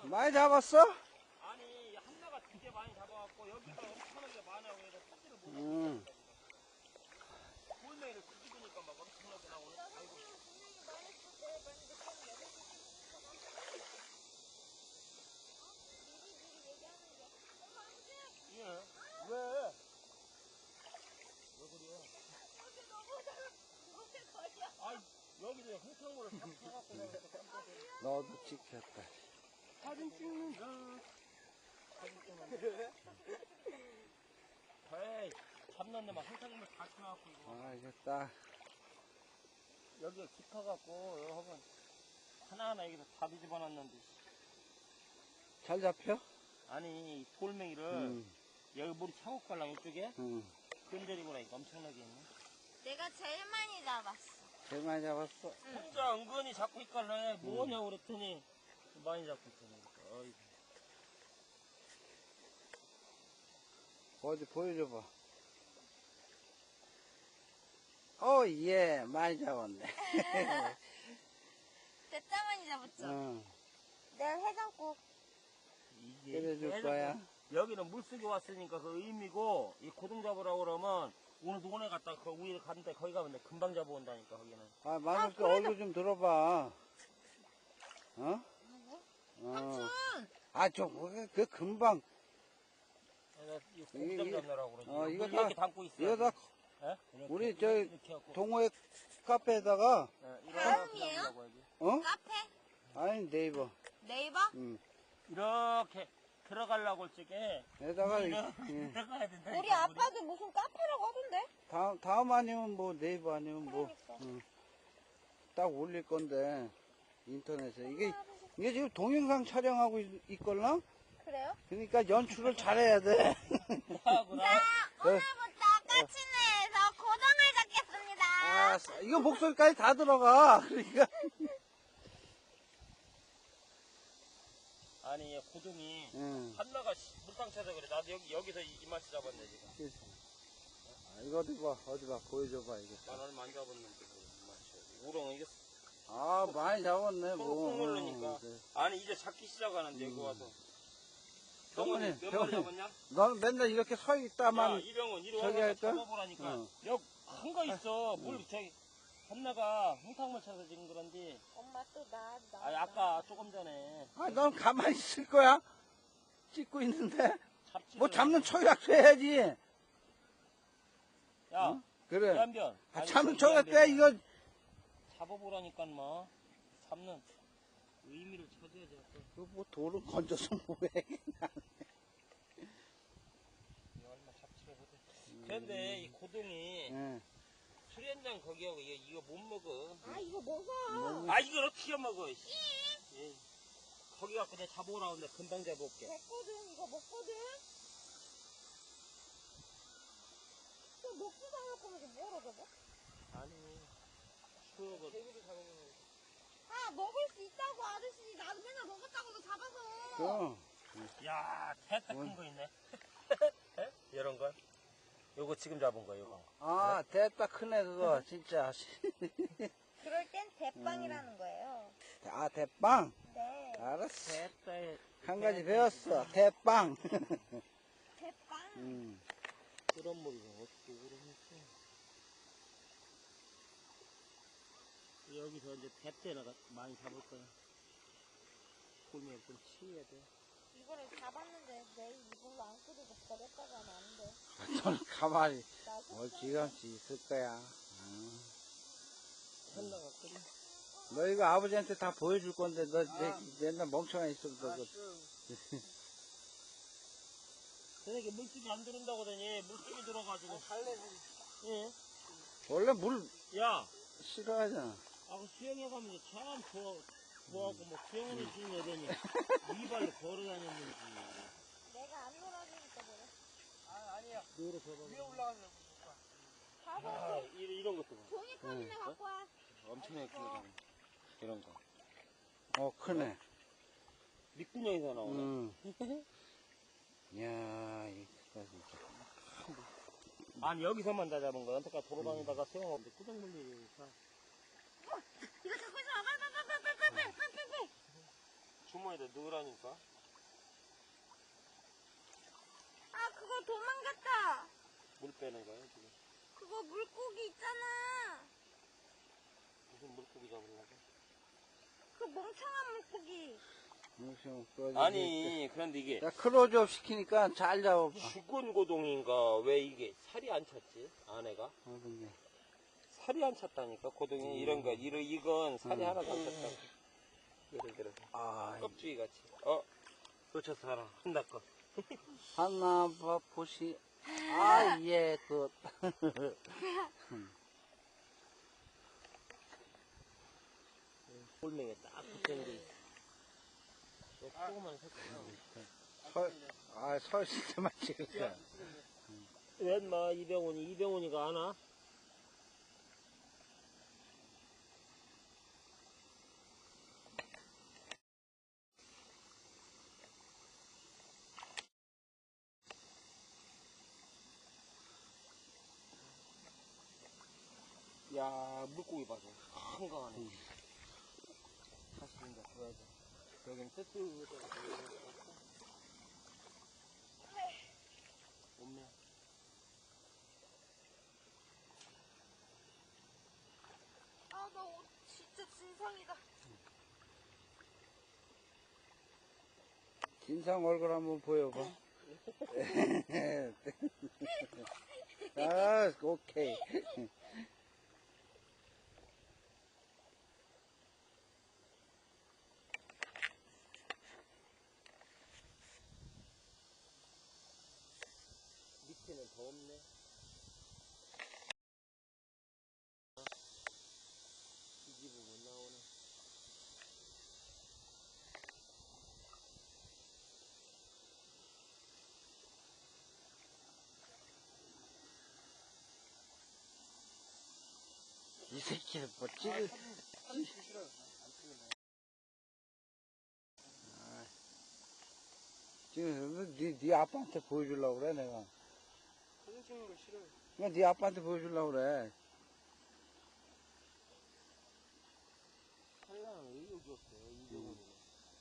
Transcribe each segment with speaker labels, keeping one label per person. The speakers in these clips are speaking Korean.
Speaker 1: 많이 잡았어?
Speaker 2: 아니 한나가 되게 많이 잡아갖고 여기가 엄청나게 많아요. 그래서 사진을 못
Speaker 1: 응.
Speaker 2: 찍으니까 골매를 뒤집으니까 막 엄청나게 나오네. 아이고. 예. 왜? 왜 그래요? 아이 여기도 홍탕물을 다 타갖고
Speaker 1: 너도 찍혔다.
Speaker 2: 사진 찍는다. 사진 찍는다. 에이, 잡는데 막 홍탕물 다 쳐갖고 이거.
Speaker 1: 아, 이거 딱.
Speaker 2: 여기가 깊어갖고 여러분 하나하나 여기서 다 뒤집어놨는데.
Speaker 1: 잘 잡혀?
Speaker 2: 아니 이 돌멩이를 여기 물이 차고 갈라 이쪽에 건드리고 나니까 엄청나게 있네.
Speaker 3: 내가 제일 많이 잡았어.
Speaker 1: 제일 많이 잡았어.
Speaker 2: 혼자 은근히 잡고 있길래 뭐냐 그랬더니 많이 잡고 있더니. 어이구.
Speaker 1: 어디 보여줘봐. 오, 예, 많이 잡았네.
Speaker 3: 진짜 많이 잡았죠?
Speaker 1: 응,
Speaker 3: 내가 해장국.
Speaker 2: 이게
Speaker 1: 때려줄 거야.
Speaker 2: 여기는 물속에 왔으니까 그 의미고 이 고등 잡으라고 그러면 오늘 논에 갔다 그 위에 갔는데 거기 가면 금방 잡아온다니까 거기는.
Speaker 1: 아, 마누께 얼굴 좀 들어봐. 어?
Speaker 3: 누구?
Speaker 1: 어.
Speaker 3: 삼촌!
Speaker 1: 아, 그 금방.
Speaker 2: 이 고기장 잡느라고 그러지.
Speaker 1: 이거
Speaker 2: 물
Speaker 1: 다-
Speaker 2: 이렇게 담고 있어.
Speaker 1: 이거 다
Speaker 2: 예?
Speaker 1: 우리
Speaker 2: 이렇게 해갖고.
Speaker 1: 동호회 카페에다가,
Speaker 3: 다음이에요?
Speaker 1: 어?
Speaker 3: 카페?
Speaker 1: 아니, 네이버.
Speaker 3: 네이버?
Speaker 1: 응.
Speaker 2: 이렇게 들어가려고 할 적에
Speaker 1: 에다가,
Speaker 2: 들어가야 된다.
Speaker 3: 우리 아빠도 무슨 카페라고 하던데?
Speaker 1: 다음 아니면 뭐, 네이버 아니면 뭐,
Speaker 3: 그러니까.
Speaker 1: 딱 올릴 건데, 인터넷에. 이게 지금 동영상 촬영하고 있걸나?
Speaker 3: 그래요?
Speaker 1: 그러니까 연출을 잘해야 돼.
Speaker 2: 하구나.
Speaker 3: 오늘부터 까치네에서 고등을 잡겠습니다.
Speaker 1: 아, 이거 목소리까지 다 들어가. 그러니까.
Speaker 2: 아니 얘 고등이
Speaker 1: 응.
Speaker 2: 한나가 물탕 쳐서 그래. 나도 여기서 이만치 잡았네 지금.
Speaker 1: 이거 어디 봐, 보여줘봐, 이거.
Speaker 2: 난 얼마 안 잡았는데 이만치. 우렁 이게
Speaker 1: 아, 많이 잡았네,
Speaker 2: 속
Speaker 1: 뭐.
Speaker 2: 누르니까.
Speaker 1: 네.
Speaker 2: 아니 이제 잡기 시작하는데 여기 와서.
Speaker 1: 병원에,
Speaker 2: 병원이 몇
Speaker 1: 병원에.
Speaker 2: 마리 잡았냐?
Speaker 1: 넌 맨날 이렇게 서
Speaker 2: 야,
Speaker 1: 있다만.
Speaker 2: 이병헌 이리
Speaker 1: 저기
Speaker 2: 와서
Speaker 1: 할까?
Speaker 2: 잡아보라니까.
Speaker 1: 어.
Speaker 2: 여기 큰 거 있어. 물 저기 한나가 홍탕물 쳐서 지금 그런지.
Speaker 3: 엄마 또 나.
Speaker 2: 아니 아까 조금 전에
Speaker 1: 아, 넌 가만히 있을 거야? 찍고 있는데?
Speaker 2: 잡지.
Speaker 1: 뭐 잡는 초약도 해야지.
Speaker 2: 야,
Speaker 1: 어? 그래.
Speaker 2: 이한변.
Speaker 1: 아,
Speaker 2: 아니,
Speaker 1: 잡는
Speaker 2: 그
Speaker 1: 초약도 해,
Speaker 2: 이한변이야.
Speaker 1: 이거.
Speaker 2: 잡아보라니까 뭐 잡는 의미를 찾아야지.
Speaker 1: 그 뭐 돌을 건져서 뭐해.
Speaker 2: 얼마 잡지를 못해. 그런데 이 고동이
Speaker 1: 예.
Speaker 2: 수련장 거기하고 이거 못 먹어.
Speaker 3: 아, 이거 먹어.
Speaker 2: 아 이걸 어떻게 먹어? 씨. 예. 거기 갖고 내가 잡아오라고 하는데 금방 잡아올게.
Speaker 3: 먹거든, 이거 먹거든. 또 먹고 살할 거면서 뭐하러 잡아?
Speaker 2: 아니 추억을. 대구도 잡아먹는.
Speaker 3: 아, 먹을 수 있다고, 아저씨. 나도 맨날 먹었다고도 잡아서.
Speaker 1: 그,
Speaker 2: 야, 대따 큰 거 있네. 이런 거. 요거 지금 잡은 거, 요거.
Speaker 1: 아, 됐다, 크네, 그거, 진짜.
Speaker 3: 그럴 땐 대빵이라는 거예요.
Speaker 1: 아, 대빵?
Speaker 3: 네.
Speaker 1: 알았어.
Speaker 2: 대따에.
Speaker 1: 한 가지 배웠어. 대빵.
Speaker 3: 대빵.
Speaker 2: 그런 물이 어떻게 오르겠어. 여기서 이제 대때나 많이 잡을 거야. 골면 좀 치해야 돼.
Speaker 3: 이거를 잡았는데 내일 이걸로 안 끓이고 버렸다고 하면 안 돼.
Speaker 1: 넌 가만히
Speaker 3: 나
Speaker 1: 멀찌감치 있을 거야.
Speaker 2: 한나가 끓여.
Speaker 1: 너 이거 아버지한테 다 보여줄 건데, 너 맨날 멍청한 있어. 너
Speaker 2: 저녁에 물속에 안 들어온다고 하더니 물속에 들어가지고. 예.
Speaker 1: 원래 물
Speaker 2: 야,
Speaker 1: 싫어하잖아.
Speaker 2: 그 수영해 가면 이제 참 좋아하고 뭐 수영을 해주는 애더니 이발로 걸어 다녔는지.
Speaker 3: 내가 안 놀아주니까 그래.
Speaker 2: 아니야. 노래 더 위에 올라가면
Speaker 3: 가서
Speaker 2: 아, 이런 것도 봐.
Speaker 3: 종이컵이나 갖고 와.
Speaker 2: 엄청나게 크거든. 이런 거.
Speaker 1: 크네.
Speaker 2: 밑구녕에서 나오네.
Speaker 1: 이야, 이거 진짜.
Speaker 2: 아니 여기서만 다 잡은 거야. 여태까지 돌아다니다가 수영하는데 꾸정 물리니까.
Speaker 3: 이거 잡고 있어. 빨리.
Speaker 2: 주머니에다 넣으라니까.
Speaker 3: 아, 그거 도망갔다.
Speaker 2: 물 빼는 거야, 지금.
Speaker 3: 그거 물고기 있잖아.
Speaker 2: 무슨 물고기 잡으려고?
Speaker 3: 그 멍청한 물고기.
Speaker 2: 아니, 그런데 이게
Speaker 1: 야, 클로즈업 시키니까 잘 잡아봐.
Speaker 2: 죽은 고동인가 왜 이게 살이 안 찼지? 안에가?
Speaker 1: 어떤 게.
Speaker 2: 살이 안 찼다니까, 고동이. 이런 거, 이건 살이 하나도 안 찼다. 예를 들어서.
Speaker 1: 아,
Speaker 2: 껍질이 같이. 놓쳤어, 하나. 한다 거.
Speaker 1: 하나 보시. 아, 예, 그.
Speaker 2: 골맹이에 딱 붙는 게 있어. 조그만 새끼야.
Speaker 1: 설실 때만 찍었어.
Speaker 2: 왜, 인마, 이병훈이가 안 와? 야, 물고기 봐서 한강하네. 다시 이제 보여줘. 여긴 뜨뜻하고 없네.
Speaker 3: 아, 나 진짜 진상이다.
Speaker 1: 진상 얼굴 한번 보여봐. 아, 오케이.
Speaker 2: 밑에는 더 없네. 뒤집으면 나오네.
Speaker 1: 이 새끼는 뭐 찍을. 지금 네 아빠한테 보여주려고 그래, 내가.
Speaker 2: 사진 찍는 거 싫어.
Speaker 1: 그냥 네 아빠한테 보여주려고 그래.
Speaker 2: 칼라는 의욕이 없어, 이병훈이는.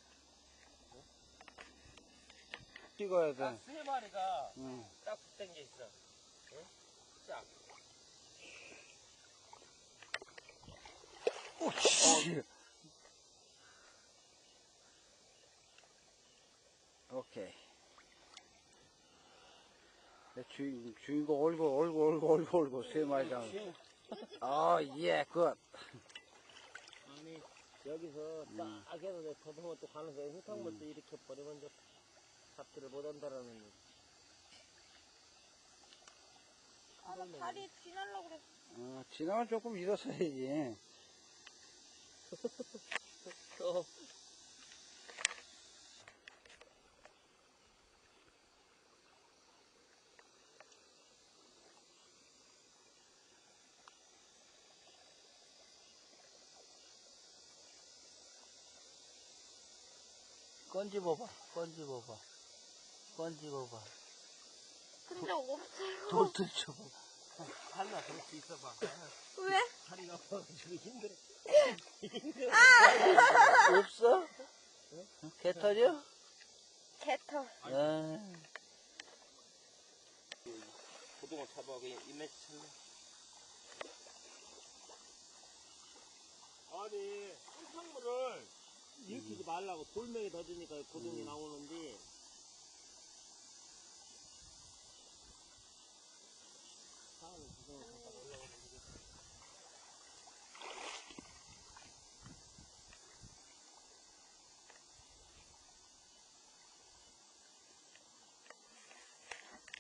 Speaker 1: 찍어야 돼.
Speaker 2: 딱 세 마리가
Speaker 1: 응.
Speaker 2: 딱 붙은 게 있어. 응? 쫙.
Speaker 1: 오씨. 오케이. 내 주인공 얼굴 세 마리 잡아. 예, 굿.
Speaker 2: 아니, 여기서 딱 해서 내 더듬어 또 가면서 흙탕물도 이렇게 버리면 이제 잡지를 못한다라는 얘기.
Speaker 3: 아, 나 다리에 지나려고 그랬어.
Speaker 1: 지나면 조금 일어서야지. 건집어봐.
Speaker 3: 근데 없어요.
Speaker 1: 돌 들쳐봐.
Speaker 2: 할라 그럴 수 있어봐.
Speaker 3: 왜?
Speaker 2: 다리가 아파가지고 힘들어.
Speaker 1: 없어? 개 터져?
Speaker 3: 개털.
Speaker 2: 고등어 잡아, 그냥 입맛이 찼네. 아니, 흙탕물을 일으키지 말라고 돌멩이 더 주니까 고등이 나오는데,